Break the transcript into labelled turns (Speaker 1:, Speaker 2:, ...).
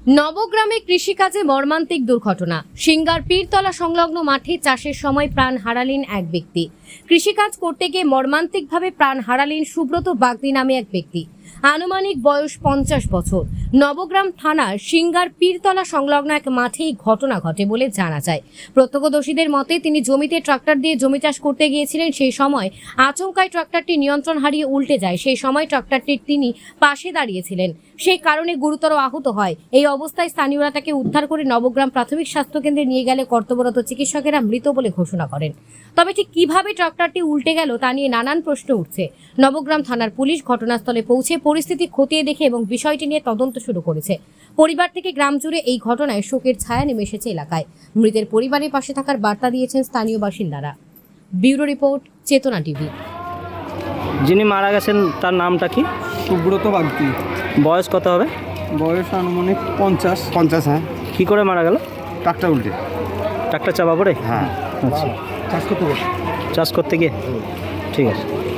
Speaker 1: নবগ্রামে কৃষিকাজে মর্মান্তিক দুর্ঘটনা। সিঙ্গার পীরতলা সংলগ্ন মাঠে চাষের সময় প্রাণ হারালেন এক ব্যক্তি। কৃষিকাজ করতে গিয়ে মর্মান্তিকভাবে প্রাণ হারালেন সুব্রত বাগদি নামে এক ব্যক্তি। আনুমানিক বয়স 50 বছর। নবগ্রাম থানার সিঙ্গার পীরতলা সংলগ্ন এক মাঠে এই ঘটনা ঘটে বলে জানা যায়। প্রত্যক্ষদর্শীদের মতে তিনি জমিতে ট্রাক্টর দিয়ে জমি চাষ করতে গিয়েছিলেন। সেই সময় আচমকাই ট্রাক্টরটি নিয়ন্ত্রণ হারিয়ে উল্টে যায়। সেই সময় ট্রাক্টরটির তিনি পাশে দাঁড়িয়েছিলেন, সেই কারণে গুরুতর আহত হয়। এই অবস্থায় স্থানীয়রা তাকে উদ্ধার করে নবগ্রাম প্রাথমিক স্বাস্থ্যকেন্দ্রে নিয়ে গেলে কর্তব্যরত চিকিৎসকেরা মৃত বলে ঘোষণা করেন। তবে ঠিক কিভাবে ট্রাক্টরটি উল্টে গেল তা নিয়ে নানান প্রশ্ন উঠছে। নবগ্রাম থানার পুলিশ ঘটনাস্থলে পৌঁছে পরিস্থিতি খতিয়ে দেখে এবং বিষয়টি নিয়ে তদন্ত শুরু করেছে। পরিবার থেকে গ্রাম জুড়ে এই ঘটনায় শোকের ছায়া নেমে এসেছে এলাকায়। মৃতের পরিবারের পাশে থাকার বার্তা দিয়েছেন স্থানীয় বাসিন্দারা। Bureau report, Chetana TV.
Speaker 2: যিনি মারা গেছেন তার নামটা কি?
Speaker 3: সুব্রত বাগদি।
Speaker 2: বয়স কত হবে?
Speaker 3: বয়স আনুমানিক 50।
Speaker 4: হ্যাঁ।
Speaker 2: কি করে মারা গেল?
Speaker 4: ট্রাক্টর উল্টে।
Speaker 2: ট্রাক্টর চাপা পড়ে?
Speaker 4: হ্যাঁ।
Speaker 2: আচ্ছা,
Speaker 3: চাষ করতে
Speaker 2: চাষ করতে গিয়ে। ঠিক আছে।